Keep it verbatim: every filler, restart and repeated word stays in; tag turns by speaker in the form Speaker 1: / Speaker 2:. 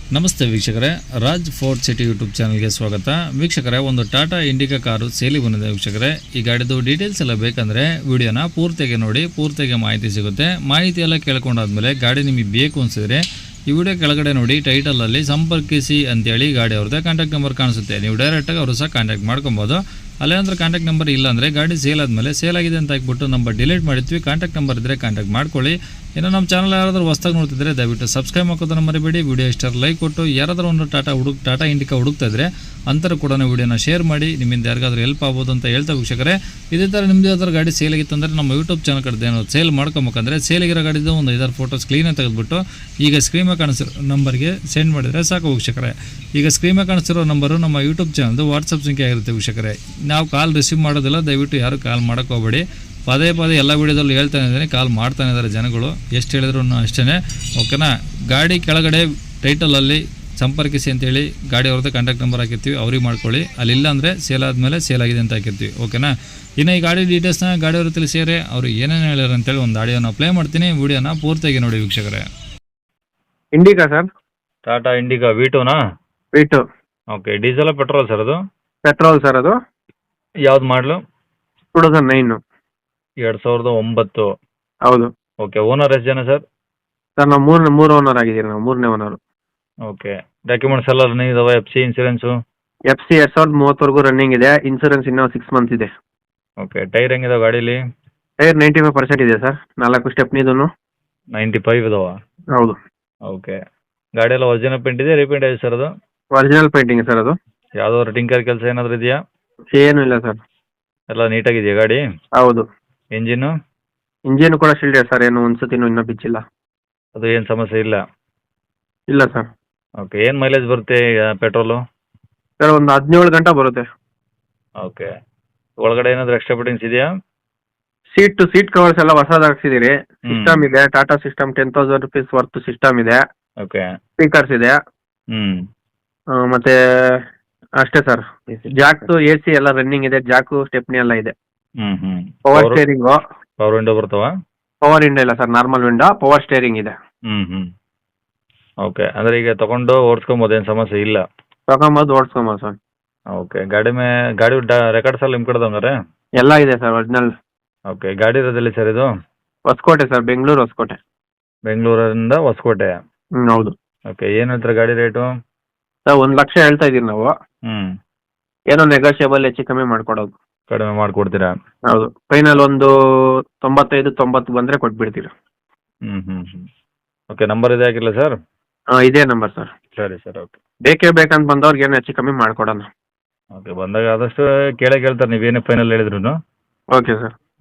Speaker 1: ನಮಸ್ತೆ ವೀಕ್ಷಕರೇ, Raj fort city YouTube ಚಾನಲ್ಗೆ ಸ್ವಾಗತ. ವೀಕ್ಷಕರೇ, ಒಂದು ಟಾಟಾ ಇಂಡಿಕಾ ಕಾರು ಸೇಲಿ ಬಂದಿದೆ ವೀಕ್ಷಕರೇ. ಈ ಗಾಡಿದು ಡೀಟೇಲ್ಸ್ ಎಲ್ಲ ಬೇಕಂದರೆ ವಿಡಿಯೋನ ಪೂರ್ತಿಯಾಗಿ ನೋಡಿ, ಪೂರ್ತಿಯಾಗಿ ಮಾಹಿತಿ ಸಿಗುತ್ತೆ. ಮಾಹಿತಿ ಎಲ್ಲ ಕೇಳ್ಕೊಂಡಾದ್ಮೇಲೆ ಗಾಡಿ ನಿಮಗೆ ಬೇಕು ಅನಿಸಿದ್ರೆ ಈ ವಿಡಿಯೋ ಕೆಳಗಡೆ ನೋಡಿ ಟೈಟಲಲ್ಲಿ ಸಂಪರ್ಕಿಸಿ ಅಂತೇಳಿ ಗಾಡಿ ಅವ್ರದ್ದೇ ಕಾಂಟ್ಯಾಕ್ಟ್ ನಂಬರ್ ಕಾಣಿಸುತ್ತೆ. ನೀವು ಡೈರೆಕ್ಟಾಗಿ ಅವರು ಸಹ ಕಾಂಟ್ಯಾಕ್ಟ್ ಮಾಡ್ಕೊಬೋದು. ಅಲ್ಲೇನಂದ್ರೆ ಕಾಂಟ್ಯಾಕ್ಟ್ ನಂಬರ್ ಇಲ್ಲ ಅಂದರೆ ಗಾಡಿ ಸೇಲ್ ಆದಮೇಲೆ ಸೇಲ್ ಆಗಿದೆ ಅಂತ ಹಾಕ್ಬಿಟ್ಟು ನಂಬರ್ ಡಿಲೀಟ್ ಮಾಡಿರ್ತೀವಿ. ಕಾಂಟ್ಯಾಕ್ಟ್ ನಂಬರ್ ಇದ್ದರೆ ಕಾಂಟ್ಯಾಕ್ಟ್ ಮಾಡ್ಕೊಳ್ಳಿ. ಇನ್ನು ನಮ್ಮ ಚಾನಲ್ ಯಾರಾದರೂ ಹೊಸ್ದಾಗಿ ನೋಡ್ತಿದ್ರೆ ದಯವಿಟ್ಟು ಸಬ್ಸ್ಕ್ರೈಬ್ ಹಾಕೋದನ್ನು ಮರಿಬೇಡಿ. ವಿಡಿಯೋ ಇಷ್ಟ ಲೈಕ್ ಕೊಟ್ಟು ಯಾರಾದರೂ ಒಂದು ಟಾಟಾ ಹುಡುಕ್ ಟಾಟಾ ಇಂಡಿಕಾ ಹುಡುಕ್ತಾ ಇದ್ರೆ ಅಂತರ ಕೂಡ ವಿಡಿಯೋನ ಶೇರ್ ಮಾಡಿ. ನಿಮ್ಮಿಂದ ಯಾರಿಗಾದ್ರೂ ಹೆಲ್ಪ್ ಆಗ್ಬೋದು ಅಂತ ಹೇಳ್ತಾ ವೀಕ್ಷಕರೇ, ಇದೇ ಥರ ನಿಮ್ಮದು ಯಾವ್ದಾದ್ರು ಗಾಡಿ ಸೇಲ್ ಆಗಿತ್ತು ಅಂದರೆ ನಮ್ಮ ಯೂಟ್ಯೂಬ್ ಚಾನಲ್ ಕಡೆ ಏನೋ ಸೇಲ್ ಮಾಡ್ಕೊಬೇಕಂದ್ರೆ ಸೇಲಿಗಿರೋ ಗಾಡಿದು ಒಂದು ಐದಾರು ಫೋಟೋಸ್ ಕ್ಲೀನಾಗಿ ತೆಗೆದುಬಿಟ್ಟು ಈಗ ಸ್ಕ್ರೀನ್ ಮೇಲೆ ಕಾಣಿಸಿರೋ ನಂಬರ್ಗೆ ಸೆಂಡ್ ಮಾಡಿದರೆ ಸಾಕು ವೀಕ್ಷಕರೇ. ಈಗ ಸ್ಕ್ರೀನ್ ಮೇಲೆ ಕಾಣಿಸಿರೋ ನಂಬರು ನಮ್ಮ ಯೂಟ್ಯೂಬ್ ಚಾನಲ್ದು ವಾಟ್ಸಪ್ ಸಂಖ್ಯೆ ಆಗಿರುತ್ತೆ ವೀಕ್ಷಕರೇ. ನಾವು ಕಾಲ್ ರಿಸೀವ್ ಮಾಡೋದಿಲ್ಲ, ದಯವಿಟ್ಟು ಯಾರು ಕಾಲ್ ಮಾಡೋಕ್ಕೆ ಹೋಗಬೇಡಿ. ಪದೇ ಪದೇ ಎಲ್ಲ ವೀಡಿಯೋದಲ್ಲಿ ಹೇಳ್ತಾನೆ ಇದ್ದೀನಿ, ಕಾಲ್ ಮಾಡ್ತಾನೆ ಇದ್ದಾರೆ ಜನಗಳು, ಎಷ್ಟು ಹೇಳಿದ್ರು ಅಷ್ಟೇ. ಓಕೆನಾ? ಗಾಡಿ ಕೆಳಗಡೆ ಟೈಟಲಲ್ಲಿ ಸಂಪರ್ಕಿಸಿ ಅಂತೇಳಿ ಗಾಡಿ ಅವ್ರದ್ದು ಕಾಂಟ್ಯಾಕ್ಟ್ ನಂಬರ್ ಹಾಕಿರ್ತೀವಿ, ಅವ್ರಿಗೆ ಮಾಡ್ಕೊಳ್ಳಿ. ಅಲ್ಲಿಲ್ಲ ಅಂದರೆ ಸೇಲ್ ಆದಮೇಲೆ ಸೇಲ್ ಆಗಿದೆ ಅಂತ ಹಾಕಿರ್ತೀವಿ. ಓಕೆನಾ? ಇನ್ನು ಈ ಗಾಡಿ ಡೀಟೇಲ್ಸ್ನ ಗಾಡಿಯವರು ತಿಳಿಸಿದರೆ ಅವರು ಏನೇನು ಹೇಳ್ಯಾರ ಅಂತೇಳಿ ಒಂದು ಆಡಿಯೋನ ಪ್ಲೇ ಮಾಡ್ತೀನಿ. ವಿಡಿಯೋನ ಪೂರ್ತಿಯಾಗಿ ನೋಡಿ ವೀಕ್ಷಕರೇ.
Speaker 2: Indica sir,
Speaker 1: Tata Indica V ಟೂನಾ?
Speaker 2: V two.
Speaker 1: Okay. Diesel petrol sir ಅದು?
Speaker 2: ಪೆಟ್ರೋಲ್ ಸರ್ ಅದು.
Speaker 1: ಯಾವ್ದು ಮಾಡಲು?
Speaker 2: Two thousand nine.
Speaker 1: ಎರಡು ಸಾವಿರದ ಒಂಬತ್ತು.
Speaker 2: ಹೌದು.
Speaker 1: ಓಕೆ. ಓನರ್ ಎಷ್ಟು ಜನ ಸರ್?
Speaker 2: ಸರ್ ನಾವು ಮೂರು ಮೂರು ಓನರ್ ಆಗಿದ್ದೀವಿ, ನಾವು ಮೂರನೇ ಓನರು.
Speaker 1: ಓಕೆ. ಡಾಕ್ಯುಮೆಂಟ್ಸ್ ಎಲ್ಲ ರನ್ನಿಂಗ್ ಇದಾವೆ? F C insurance?
Speaker 2: F C ಎರಡು ಸಾವಿರದ ಮೂವತ್ತವರೆಗೂ ರನ್ನಿಂಗ್ ಇದೆ. ಇನ್ಸೂರೆನ್ಸ್ ಇನ್ನೂ ಸಿಕ್ಸ್ ಮಂತ್ಸ್ ಇದೆ.
Speaker 1: ಓಕೆ. ಟೈರ್ ಹೆಂಗಿದಾವೆ ಗಾಡೀಲಿ?
Speaker 2: ಟೈರ್ ನೈಂಟಿ ಫೈವ್ ಪರ್ಸೆಂಟ್ ಇದೆ ಸರ್, ನಾಲ್ಕು ಸ್ಟೆಪ್ನಿದೂ.
Speaker 1: ನೈಂಟಿ ಫೈವ್ ಇದಾವ?
Speaker 2: ಹೌದು.
Speaker 1: ಓಕೆ. ಗಾಡಿ ಎಲ್ಲ ಒರಿಜಿನಲ್ ಪೇಂಟ್ ಇದೆ, ರೀಪೇಂಟ್ ಇದೆ ಸರ್ ಅದು?
Speaker 2: ಒರಿಜಿನಲ್ ಪೇಂಟಿಂಗ್ ಸರ್ ಅದು.
Speaker 1: ಯಾವುದಾದ್ರು ಟಿಂಕರ್ ಕೆಲಸ ಏನಾದರೂ ಇದೆಯಾ?
Speaker 2: ಏನೂ ಇಲ್ಲ ಸರ್.
Speaker 1: ಎಲ್ಲ ನೀಟಾಗಿದೆಯಾ ಗಾಡಿ?
Speaker 2: ಹೌದು.
Speaker 1: ಇಂಜಿನ್ನು?
Speaker 2: ಇಂಜಿನ್ ಕೂಡ ಶಿಲ್ಡೆ ಸರ್, ಏನು ಒಂದ್ಸತಿನೂ ಇನ್ನೂ ಬಿಚ್ಚಿಲ್ಲ.
Speaker 1: ಅದು ಏನು ಸಮಸ್ಯೆ ಇಲ್ಲ?
Speaker 2: ಇಲ್ಲ ಸರ್.
Speaker 1: ಓಕೆ. ಏನು ಮೈಲೇಜ್ ಬರುತ್ತೆ ಪೆಟ್ರೋಲು?
Speaker 2: ಸರ್ ಒಂದು ಹದಿನೇಳು ಗಂಟೆ ಬರುತ್ತೆ.
Speaker 1: ಓಕೆ. ಒಳಗಡೆ ಏನಾದರೂ ಎಕ್ಸ್ಟ್ರಾ ಫಿಟ್ಟಿಂಗ್ಸ್ ಇದೆಯಾ?
Speaker 2: ಸೀಟ್ ಟು ಸೀಟ್ ಕವರ್ಸ್ ಎಲ್ಲ ಹೊಸದು ಹಾಕ್ಸಿದ್ದೀರಿ. ಸಿಸ್ಟಮ್ ಇದೆ, Tata system ten thousand rupees worth system ಇದೆ.
Speaker 1: ಓಕೆ.
Speaker 2: ಸ್ಪೀಕರ್ಸ್ ಇದೆ.
Speaker 1: ಹ್ಞೂ.
Speaker 2: ಮತ್ತೆ ಅಷ್ಟೇ ಸರ್. ಜಾಕ್ದು ಎ ಸಿ ಎಲ್ಲ ರನ್ನಿಂಗ್ ಇದೆ, ಜಾಕು ಸ್ಟೆಪ್ನಿ ಎಲ್ಲ ಇದೆ.
Speaker 1: ಹ್ಞೂ ಹ್ಞೂ.
Speaker 2: Power steering.
Speaker 1: ಪವರ್ ವಿಂಡೋ ಬರ್ತಾವ?
Speaker 2: ಪವರ್ ವಿಂಡೋ ಇಲ್ಲ sir, normal window. Power steering ಇದೆ.
Speaker 1: ಹ್ಞೂ ಹ್ಞೂ. ಓಕೆ. ಅಂದರೆ ಈಗ ತೊಗೊಂಡು ಓಡಿಸ್ಕೊಬೋದು, ಏನು ಸಮಸ್ಯೆ ಇಲ್ಲ?
Speaker 2: ತಗೊಂಬೋದು, ಓಡಿಸ್ಕೊಬೋದು ಸರ್.
Speaker 1: ಓಕೆ. ಗಾಡಿ ಮೇ ಗಾಡಿ ರೆಕಾರ್ಡ್ಸ್ ಎಲ್ಲ ನಿಮ್ಮ ಕಡೆದು ಹಂಗಾರೆ?
Speaker 2: ಎಲ್ಲ ಇದೆ ಸರ್, ಒರಿಜಿನಲ್.
Speaker 1: ಓಕೆ. ಗಾಡಿ ಇರೋದಿಲ್ಲ ಸರ್ ಇದು?
Speaker 2: ಹೊಸಕೋಟೆ ಸರ್, ಬೆಂಗಳೂರು ಹೊಸಕೋಟೆ.
Speaker 1: ಬೆಂಗಳೂರಿಂದ ಹೊಸಕೋಟೆ?
Speaker 2: ಹ್ಞೂ ಹೌದು.
Speaker 1: ಓಕೆ. ಏನು ಹೇಳ್ತಾರೆ ಗಾಡಿ ರೇಟು?
Speaker 2: ಸರ್ ಒಂದು ಲಕ್ಷ ಹೇಳ್ತಾ ಇದ್ದೀವಿ ನಾವು.
Speaker 1: ಹ್ಞೂ.
Speaker 2: ಏನೋ ನೆಗೋಷಿಯಬಲ್ ಹೆಚ್ಚು ಕಮ್ಮಿ ಮಾಡ್ಕೊಡೋದು.
Speaker 1: ಕಡಿಮೆ ಮಾಡಿಕೊಡ್ತೀರಾ?
Speaker 2: ಹೌದು. ಫೈನಲ್ ಒಂದು ತೊಂಬತ್ತೈದು ತೊಂಬತ್ತು ಬಂದರೆ ಕೊಟ್ಬಿಡ್ತೀರಾ.
Speaker 1: ಹ್ಞೂ ಹ್ಞೂ ಹ್ಞೂ. ಓಕೆ. ನಂಬರ್ ಇದೆ ಹಾಕಿಲ್ಲ ಸರ್?
Speaker 2: ಹಾಂ, ಇದೇ ನಂಬರ್ ಸರ್.
Speaker 1: ಸರಿ ಸರ್. ಓಕೆ.
Speaker 2: ಬೇಕೇ ಬೇಕಂತ ಬಂದವ್ರಿಗೆ ಏನು ಹೆಚ್ಚು ಕಮ್ಮಿ ಮಾಡ್ಕೊಡೋಣ.
Speaker 1: ಓಕೆ. ಬಂದಾಗ ಆದಷ್ಟು ಕೇಳೇ ಕೇಳ್ತಾರೆ, ನೀವೇನು ಫೈನಲ್ ಹೇಳಿದ್ರು.
Speaker 2: Okay sir.